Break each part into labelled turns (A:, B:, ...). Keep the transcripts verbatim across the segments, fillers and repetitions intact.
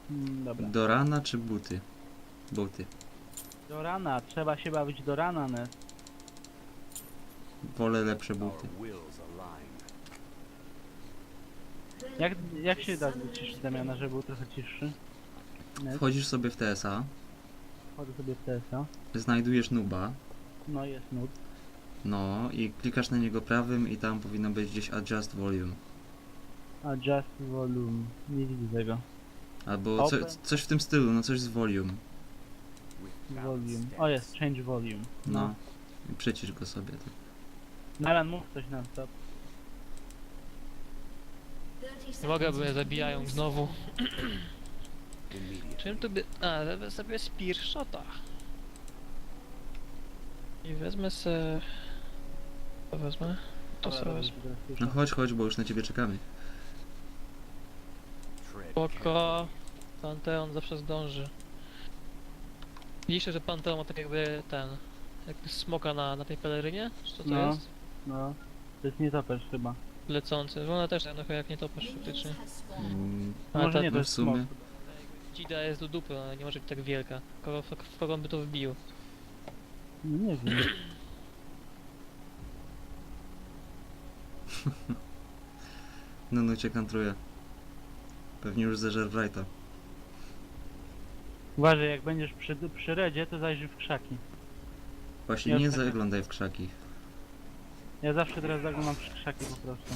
A: Mm, dobra.
B: Do rana czy buty? Buty.
A: Do rana, trzeba się bawić do rana, ne?
B: Wolę lepsze buty.
A: Jak, jak się da wyciszyć Damiana, żeby był trochę ciszy? Net.
B: Wchodzisz sobie w T S A,
A: Wchodzę sobie w T S A.
B: znajdujesz nuba,
A: No jest nut.
B: no i klikasz na niego prawym i tam powinno być gdzieś adjust volume.
A: Adjust volume. Nie widzę tego.
B: Albo co,
A: Open.
B: coś w tym stylu, no coś z volume.
A: Volume. O jest, change volume.
B: No.
A: No.
B: I przycisz go sobie.
A: Nalan, mów coś nam stop.
C: Nie mogę, bo mnie zabijają znowu. Czym tu by... A, wezmę sobie spear shota. I wezmę se... To wezmę? To sobie wezmę.
B: No chodź, chodź, bo już na ciebie czekamy.
C: Spoko. Panteon zawsze zdąży. Widzicie, że Panteon ma tak jakby ten... Jakby smoka na, na tej pelerynie? Czy co to
A: No.
C: jest?
A: No. To jest nietoperz chyba.
C: Lecący. Ona też tak trochę jak nie topasz faktycznie.
B: Mm,
A: A
C: Ale
A: może
C: ta-
A: nie, to
B: no w
A: jest
B: sumie.
A: smok.
C: Dzida jest do dupy, ona nie może być tak wielka. Kogo, w kogo on by to wbił?
A: No nie wiem.
B: No no cię kantruje. Pewnie już zeżer Wrighta.
A: Uważaj, jak będziesz przy, przy redzie, to zajrzyj w krzaki.
B: Właśnie
A: Ja
B: nie
A: już tak-
B: zaglądaj w krzaki.
A: Ja zawsze teraz zaglądam w krzaki po prostu.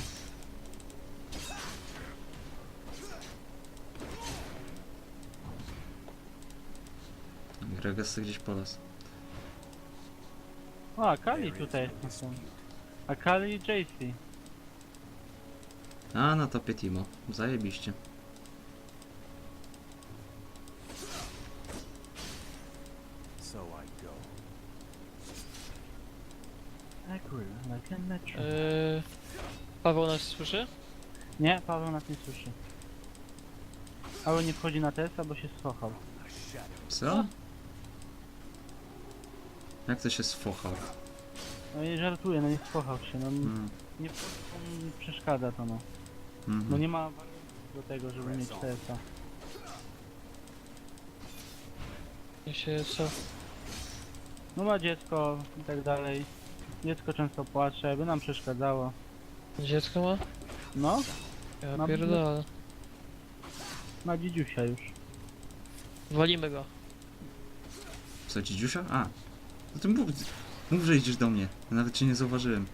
B: Gregas gdzieś po las.
A: O, Akali tutaj jest. Akali i J C.
B: A, na topie Timo. Zajebiście.
A: Agree, like a metro.
C: Yy... Paweł nas słyszy?
A: Nie, Paweł nas nie słyszy. Paweł nie wchodzi na testa, bo się schował.
B: Co? Jak to się sfochał?
A: No i żartuję, no nie schował się, no
B: Mm.
A: nie nie przeszkadza to no.
B: Mhm.
A: Bo nie ma warunków do tego, żeby mieć T S A.
C: Ja się co?
A: No ma dziecko i tak dalej. Dziecko często płacze, by nam przeszkadzało.
C: Dziecko ma?
A: No,
C: Ja
A: Mam-
C: pierdolę.
A: ma dzidziusia już.
C: Walimy go.
B: Co, dzidziusia? A. No to mów, mów, że idziesz do mnie. Ja nawet cię nie zauważyłem.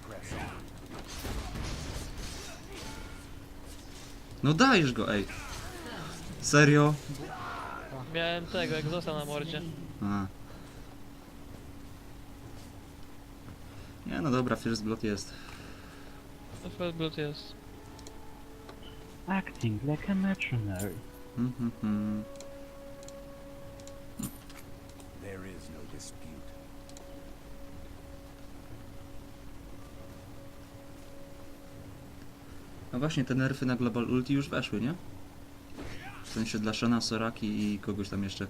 B: No dajesz go, ej. Serio?
C: Miałem tego, jak został na mordzie.
B: A. Nie, no dobra, first blood jest.
C: To First Blood jest.
A: Acting like a mercenary.
B: Mhm, mhm.
D: There is no dispute.
B: A właśnie, te nerfy na Global Ulti już weszły, nie? W sensie dla Shana, Soraki i kogoś tam jeszcze.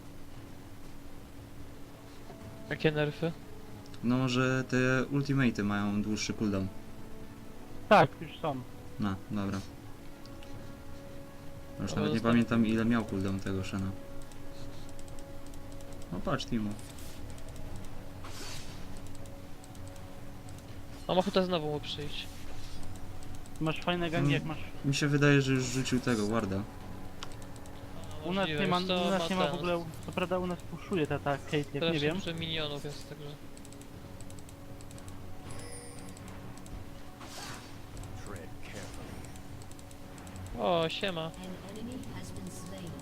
C: Jakie nerfy?
B: No, że te ultimaty mają dłuższy cooldown.
A: Tak, już są.
B: No, dobra. Już
C: Ale
B: nawet nie
C: zostań-
B: pamiętam ile miał cooldown tego Shana. No patrz, Timo.
C: Mam ochotę znowu mu przyjść.
A: Masz fajne gangi, jak masz...
B: Mi się wydaje, że już rzucił tego Warda.
A: U nas
C: Możliwe,
A: nie ma,
C: wiesz co,
A: u nas nie ma w
C: ten-
A: ogóle... Co prawda u nas puszuje ta, ta Kate, jak
C: Teraz
A: nie wiem.
C: szybsze minionów jest, także...
D: Tread carefully.
C: O, siema.
E: An enemy has been slain.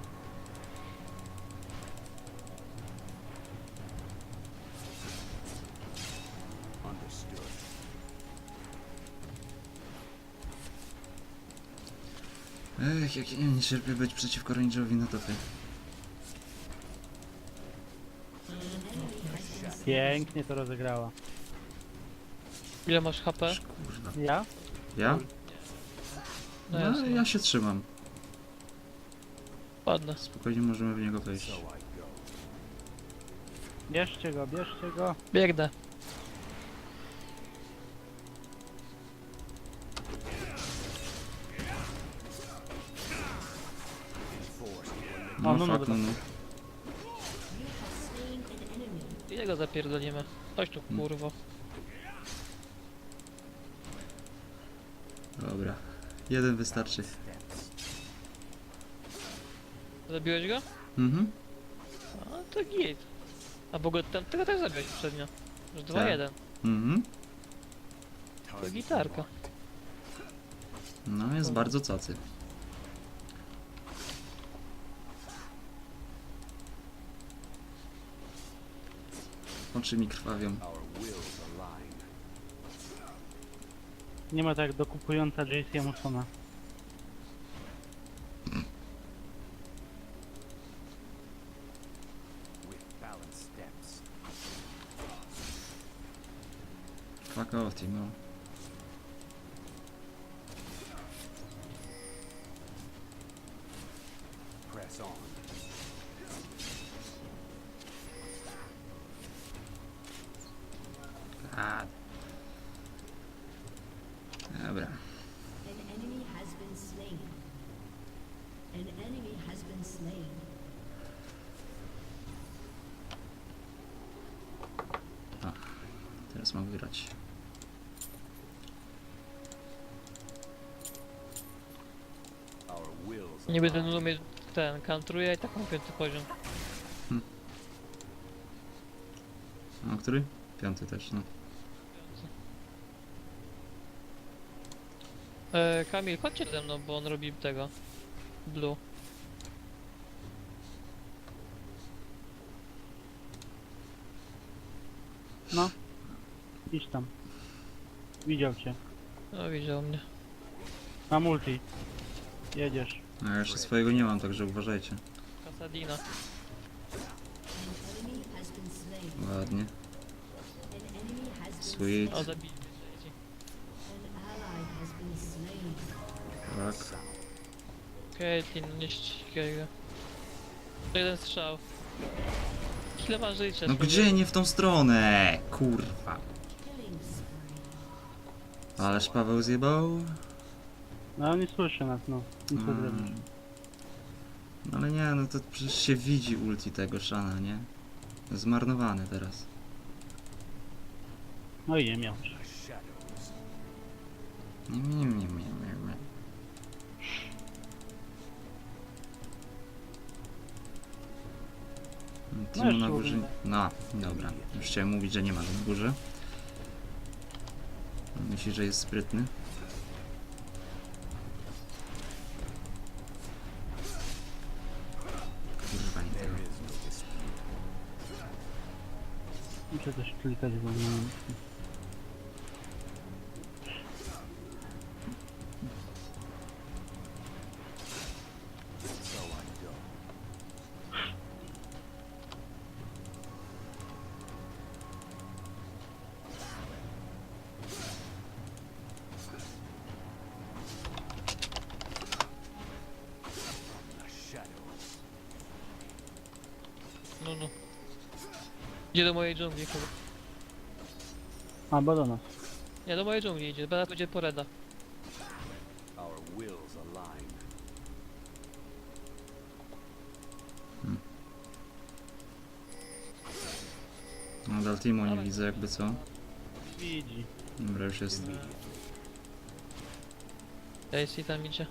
D: Understood.
B: Ech, jak ja nie cierpię być przeciwko Rangerowi na topie.
A: Pięknie to rozegrała.
C: Ile masz H P?
B: Kurwa.
A: Ja?
B: Ja?
C: No
B: No,
C: jasne.
B: ja się trzymam.
C: Ładne.
B: Spokojnie możemy w niego wejść.
D: So I go.
A: Bierzcie go, bierzcie go.
C: Biegnę.
D: Enforced.
B: No,
A: O, no, no,
B: fuck, no, no.
E: You have slain an enemy.
C: Ile go zapierdolimy? Chodź tu,
B: Mm.
C: kurwo.
B: Dobra. Jeden wystarczy.
D: Steps.
C: Zabiłeś go?
B: Mhm.
C: A, to git. A bo go tam, tego też zabiłeś poprzednio. Już dwa
B: Tak.
C: jeden.
B: Mhm.
C: To
D: Target
C: gitarka.
D: locked.
B: No, jest bardzo cacy. Oczy mi krwawią.
D: Our wills align.
A: Nie ma tak dokupująca J C Musona.
D: With balanced steps.
B: Fuck off, Timo.
D: Press on.
B: God. Dobra.
E: An enemy has been slain. An enemy has been slain.
B: Teraz mam wygrać.
D: Our wills
C: Nie będę
D: align.
C: numer mieć ten, kantruje i tak mam piąty poziom.
B: A który? Piąty też, no.
C: E, Kamil, chodźcie ze mną, bo on robi tego. Blue.
A: No. Idź tam. Widział cię.
C: No widział mnie.
A: Ma multi. Jedziesz.
B: A ja jeszcze swojego nie mam, także uważajcie.
C: Kasadina.
E: An enemy has been slain.
B: Ładnie.
E: An enemy has been
B: Sweet.
C: O,
E: slain.
C: zabili mnie. trzeci.
E: An ally has been slain.
B: Tak.
C: Caitlyn, no nie ścigaj go. To jeden strzał. Ile ma życia?
B: No
C: człowiek?
B: gdzie nie w tą stronę? Kurwa.
E: Killing spree.
B: Ależ Paweł zjebał.
A: No on nie słyszy nas, no. Nic nie
B: Mm.
A: zrobisz.
B: No ale nie, no to przecież się widzi ulti tego Shana, nie? Zmarnowany teraz.
A: No i nie miał.
D: The shadows.
B: Nie, nie, nie, nie, nie, nie. Timo
A: jeszcze
B: na górze.
A: ładnie.
B: No, dobra. Już chciałem mówić, że nie ma na górze. Myśli, że jest sprytny. Kurwa, nie
D: There
B: tego.
D: is no dispute.
A: Muszę też klikać, bo nie wiem.
D: So I go. The shadows.
C: No, no. Idzie do mojej dżungli chyba.
A: A, bo do nas.
C: Nie, do mojej dżungli idzie. Teraz będzie poreda.
D: Our wills align.
B: Nadal Timo nie widzę jakby co.
A: Widzi.
B: Dobra, już jest.
C: Daisy tam idzie.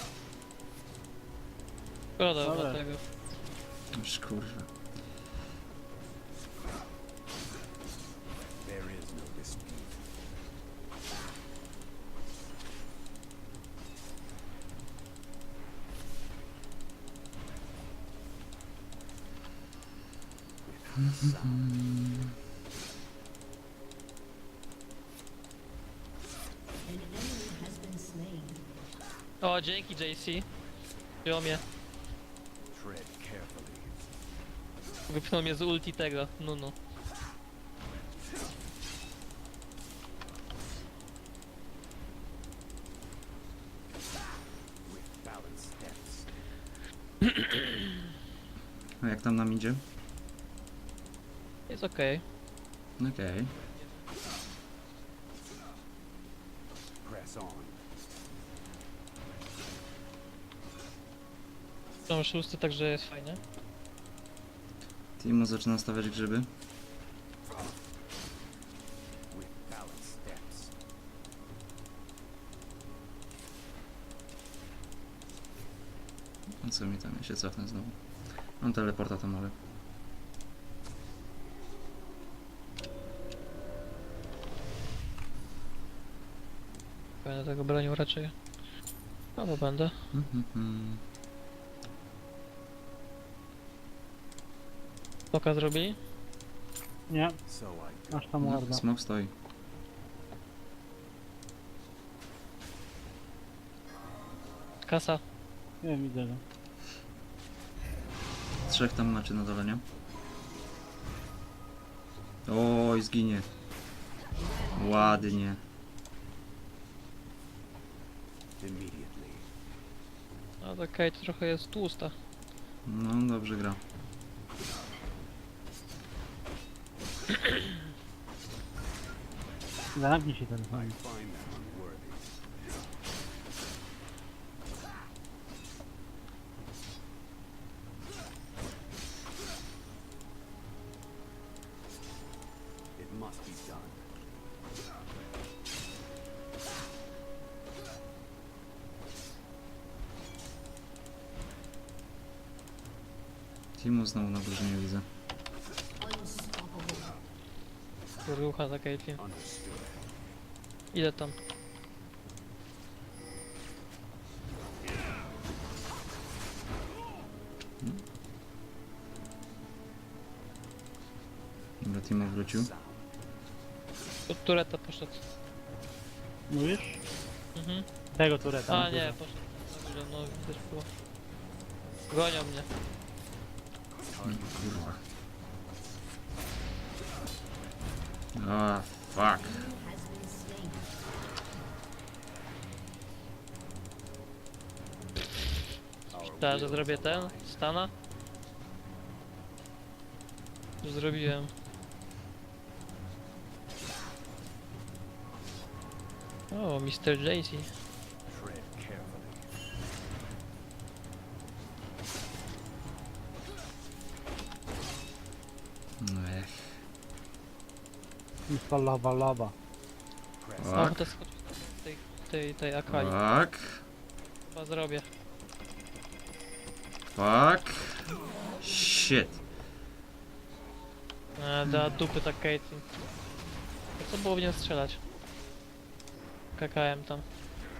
C: Szkoda
A: Dobra.
C: chyba tego.
B: Już kurwa.
D: There is no dispute. Without sound.
E: An enemy has been slain.
C: O, dzięki J C. Wziął mnie.
D: Tread carefully.
C: Wypchnął mnie z ulti tego. No, no.
D: With balanced steps.
B: A jak tam nam idzie?
C: Jest okej.
B: Okej.
D: Press on.
C: Mam szósty, także jest fajnie.
B: Timo zaczyna stawiać grzyby.
D: with balanced steps.
B: A co mi tam? Ja się cofnę znowu. Mam teleporta tam, ale...
C: Będę tego bronił raczej. No bo będę.
B: Mhm, mhm.
C: Poka zrobili?
A: Nie,
D: So I
A: aż tam
B: No,
A: ładna.
B: smok stoi.
C: Kasa.
A: Nie wiem, widzę go.
B: Trzech tam macie na dole, nie? Oj, zginie. Ładnie.
D: immediately.
C: No to Kate trochę jest tłusta.
B: No, dobrze gra.
A: Zamknij się ten
D: I
A: fajnie.
D: find that unworthy. It must be done.
B: Timo znowu na górze nie widzę.
E: Unstoppable.
C: Rucha za Caitlyn.
D: Understood.
C: Idę tam.
B: Dobra, Timo wrócił.
D: Sound.
C: Od tureta poszedł.
A: Mówisz?
C: Mhm.
A: Tego tureta.
C: A
A: na
C: nie,
A: górze.
C: poszedł. Na górze, no widać było. Gonią mnie.
B: Mm, Kurwa. A, fuck.
E: Has been slain.
D: Our
C: Teraz, że
D: wills
C: zrobię ten,
D: align.
C: stana. Już zrobiłem. O, mister J C.
D: Tread carefully.
B: No ech.
A: Mister Lava Lava.
D: Press.
C: Mam
B: Tak.
C: ochotę skoczyć do tej, tej, tej Akali.
B: Fuck.
C: Chyba zrobię.
B: Fuck. Shit.
C: E, da dupy tak Caitlyn. To co było w nią strzelać? Kakałem tam.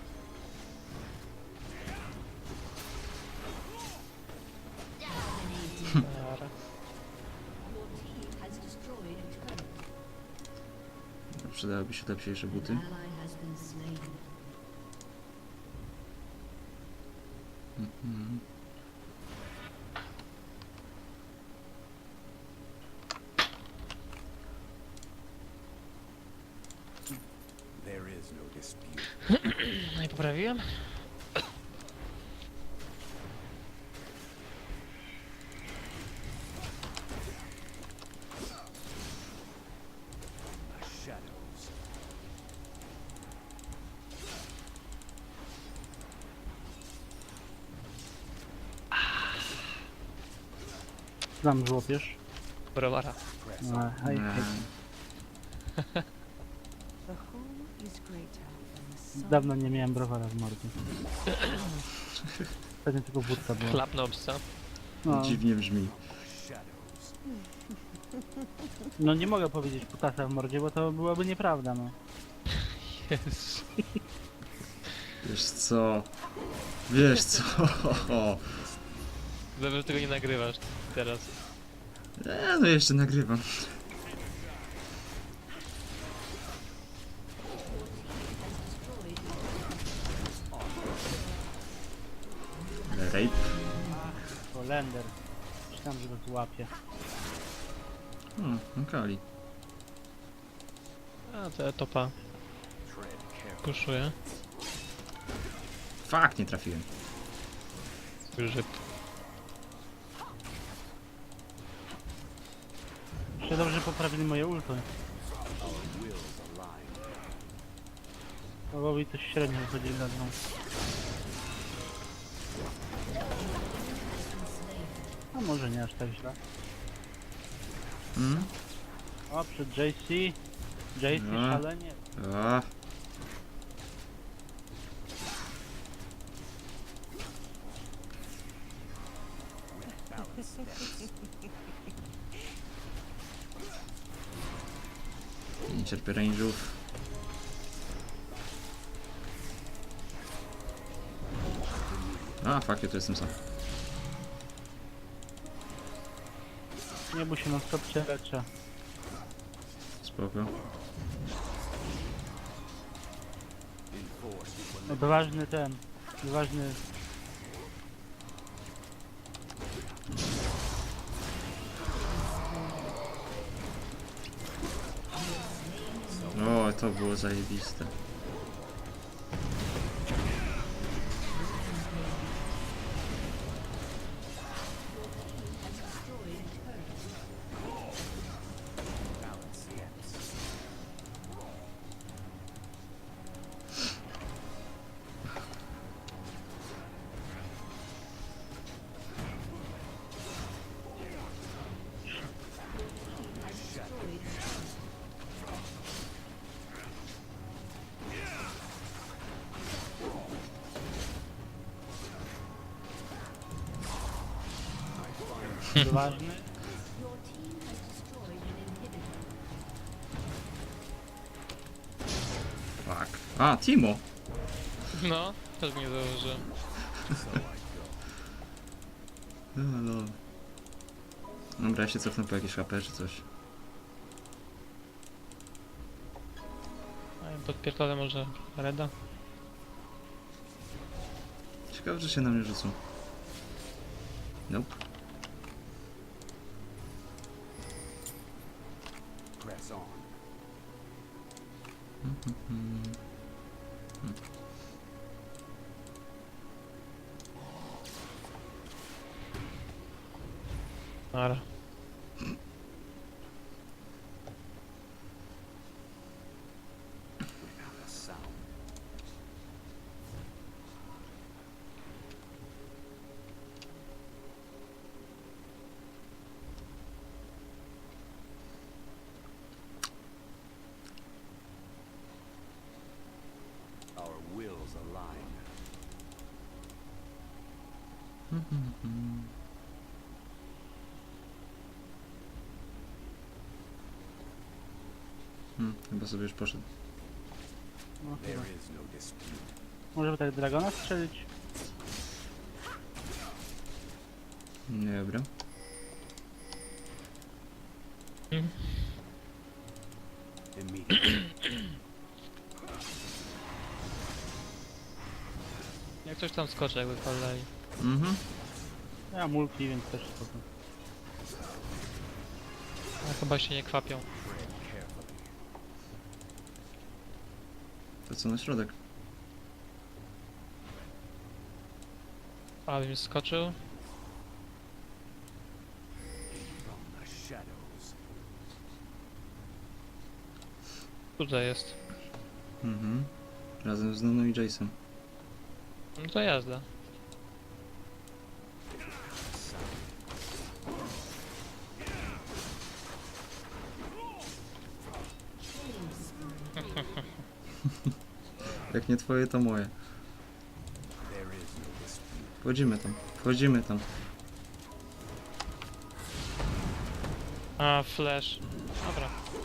C: Dobra.
E: Your team has destroyed a turret.
B: Przydałyby się lepsze buty.
E: An ally has been slain.
B: Mhm.
D: There is no dispute.
C: No i poprawiłem.
D: The shadows.
A: Znam żłopiesz.
C: Browara.
D: Press
A: No,
D: on.
A: hej, hej.
B: Nie.
F: The whole is greater than the sum.
A: Dawno nie miałem browara w mordzie. Pewnie tylko wódka była.
C: Chlapnął psa.
A: No,
B: Dziwnie brzmi.
D: Shadows.
A: no nie mogę powiedzieć kutasa w mordzie, bo to byłaby nieprawda, no.
C: Jezu.
B: Wiesz co? Wiesz co?
C: Dobrze, że tego nie nagrywasz teraz.
B: E, no jeszcze nagrywam. Rape.
A: To Lender. Myślałem, że go złapie.
B: O, Akali.
C: A to ja topa
D: Tread carefully.
C: puszuję.
B: Fuck, nie trafiłem.
C: Grzyb.
A: Jeszcze dobrze że poprawili moje ulty.
D: Our wills align.
A: Bogowi coś średnio wychodzi na dno. No może nie aż tak źle.
B: Mm?
A: O, przed J C. J C
B: No.
A: szalenie.
B: A. Nie cierpię range'ów. A, fuck, ja tu jestem sam.
A: Nie bój się, no stop cię leczę.
B: Spoko.
A: No, Odważny ten. Odważny.
B: O, to było zajebiste.
A: Odważny.
E: Your team has destroyed an inhibitor.
B: Fuck. A, Timo!
C: No, też mnie założyłem.
B: Halo. Dobra, ja się cofnę po jakieś H P czy coś.
C: A ja podpierdolę może Reda.
B: Ciekawe, że się na mnie rzucą. Nope.
D: Press on.
C: Ara.
D: Without a sound. Our wills align.
B: Hmm, chyba sobie już poszedł.
A: No,
D: There
A: chyba.
D: is no dispute.
A: Może by tak Dragona strzelić?
B: Nie, dobra.
D: Immediately.
C: Jak ktoś tam skoczy, jakby padali.
B: Mhm.
A: Ja multi, więc też spoko.
C: A chyba się nie kwapią.
D: Tread carefully.
B: To co na środek?
C: Ale bym skoczył.
D: From the shadows.
C: Tutaj jest.
B: Mhm. Razem z Nuną i Jason.
C: No to jazda.
B: Jak nie twoje, to moje.
D: There is no dispute.
B: Wchodzimy tam. Wchodzimy tam.
C: A, flash. Dobra.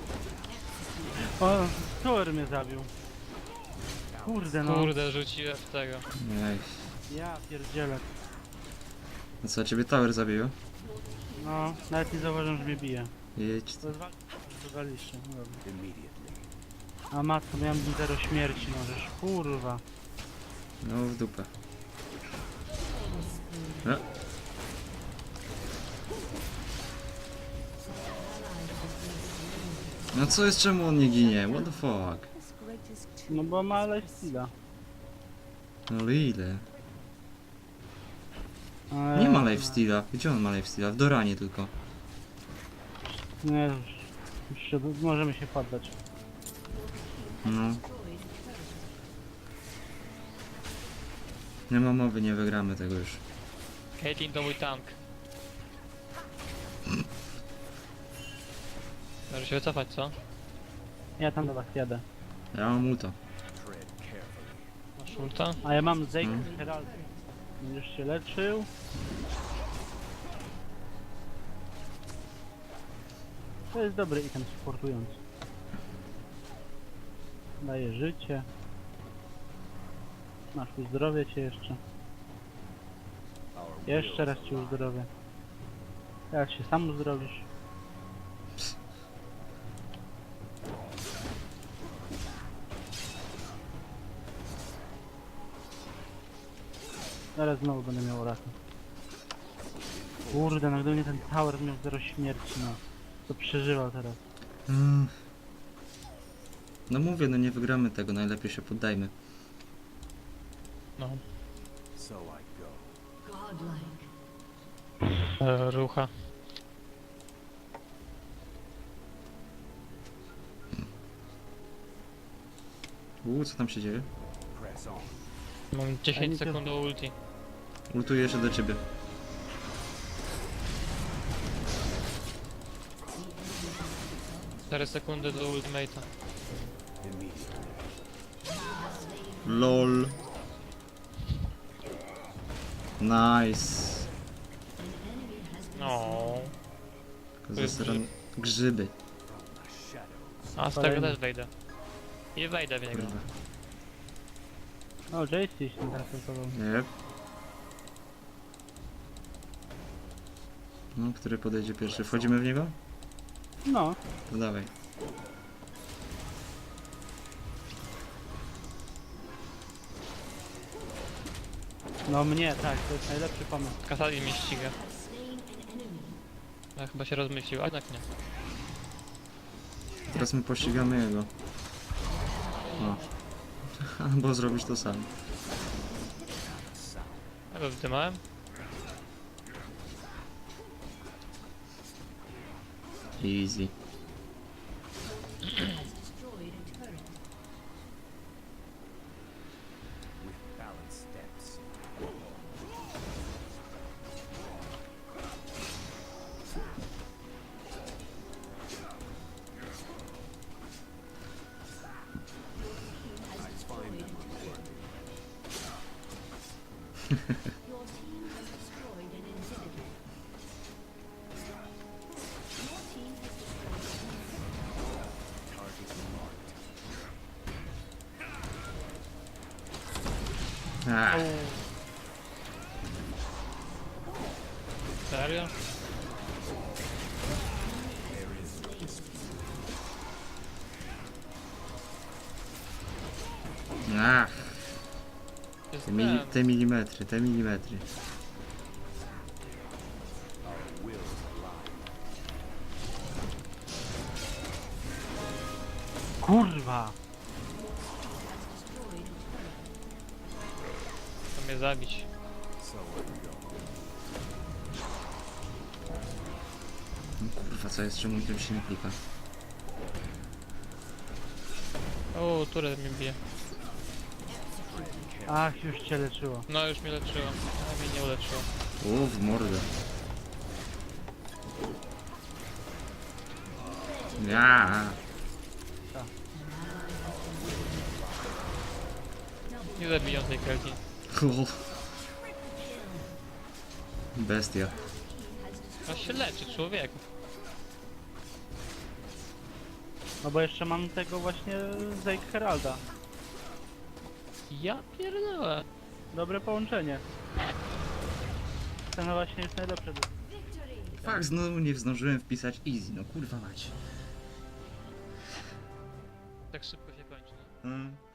A: O, Thor mnie zabił. Kurde no.
C: Kurde, rzuciłem w tego.
B: Ej.
A: Ja pierdzielę.
B: No co, ciebie tower zabiło?
A: No, nawet nie zauważyłem, że mnie bije.
B: Jedź.
A: To jest walka, wywaliście. No dobra.
D: Immediately.
A: A matko, miałem zero śmierci, możesz. Kurwa.
B: No w dupę. E. No co jest, czemu on nie ginie? What the fuck?
F: This greatest
A: No bo ma
F: tree
A: lifesteala.
B: No ale ile?
A: Eee,
B: Nie ma lifesteala. Gdzie on ma lifesteala? W Doranie tylko.
A: Nie, już, już się, możemy się poddać.
B: No. Nie ma mowy, nie wygramy tego już.
C: Caitlyn to mój tank. Może się wycofać, co?
A: Ja tam do was jadę.
B: Ja mam ulta.
D: Tread carefully.
C: Masz ulta?
A: A ja mam Zeke
B: Hmm.
A: Herald. Będziesz się leczył. To jest dobry item supportujący. Daje życie. Masz uzdrowię cię jeszcze.
D: Our
A: Jeszcze
D: wills
A: raz cię uzdrowię. Teraz się sam uzdrowisz. Zaraz znowu będę miał raka. Kurde, no gdyby nie ten tower miał zero śmierci, no. To przeżywał teraz.
B: Mm. No mówię, no nie wygramy tego, najlepiej się poddajmy.
C: No.
D: So I go.
E: Godlike.
C: E, rucha.
B: Uuu, co tam się dzieje?
D: Press on.
C: Mam
A: A
C: dziesięć
A: nic nie-
C: sekund do ulti.
B: Ultuję się do ciebie.
C: cztery sekundy do ultimate'a.
D: Immediately.
B: LOL. Nice.
C: No.
B: Zasran... Grzyby.
D: From the shadows.
C: A z tego
A: Kolejny.
C: też wejdę. I wejdę w niego.
B: Kurwa.
A: O, Jace się teraz atakował.
B: Nie. No, który podejdzie pierwszy? Wchodzimy w niego?
A: No,
B: To dawaj.
A: no mnie, tak, to jest najlepszy pomysł.
C: Kasali mnie ściga.
E: Slain an enemy.
C: Ja chyba się rozmyślił, a jednak nie.
B: Teraz my pościgamy jego. O. Albo zrobić to sam.
C: Ja go wydymałem.
B: Easy.
E: Has destroyed a turret.
D: With balanced steps.
E: Has
D: Find
E: destroyed
D: them unworthy.
E: Your team has destroyed an inhibitor. Your team has destroyed
D: Target marked.
B: Ah,
C: Serio?
D: There is no dispute.
B: ah.
C: Jest
B: Te, mili,
C: ten.
B: te milimetry, te milimetry.
D: Our wills align.
A: Kurwa!
E: destroyed a turret.
C: Chcą mnie zabić.
D: So I go.
B: No kurwa, co jest? Czemu tym się nie klika?
C: O, turę mnie bije.
A: Ach, już cię leczyło.
C: No już mnie leczyło. A mnie nie uleczyło.
B: U, w mordę. Ja.
C: Nie zabiją tej Kelki.
B: O. Bestia.
C: A się leczy, człowieku.
A: No bo jeszcze mam tego właśnie Zeke Heralda.
C: Ja pierdolę.
A: Dobre połączenie. Ten właśnie jest najlepszy.
B: Fak, znowu nie zdążyłem wpisać easy, no kurwa mać.
C: Tak szybko się kończy. No.
B: Hmm.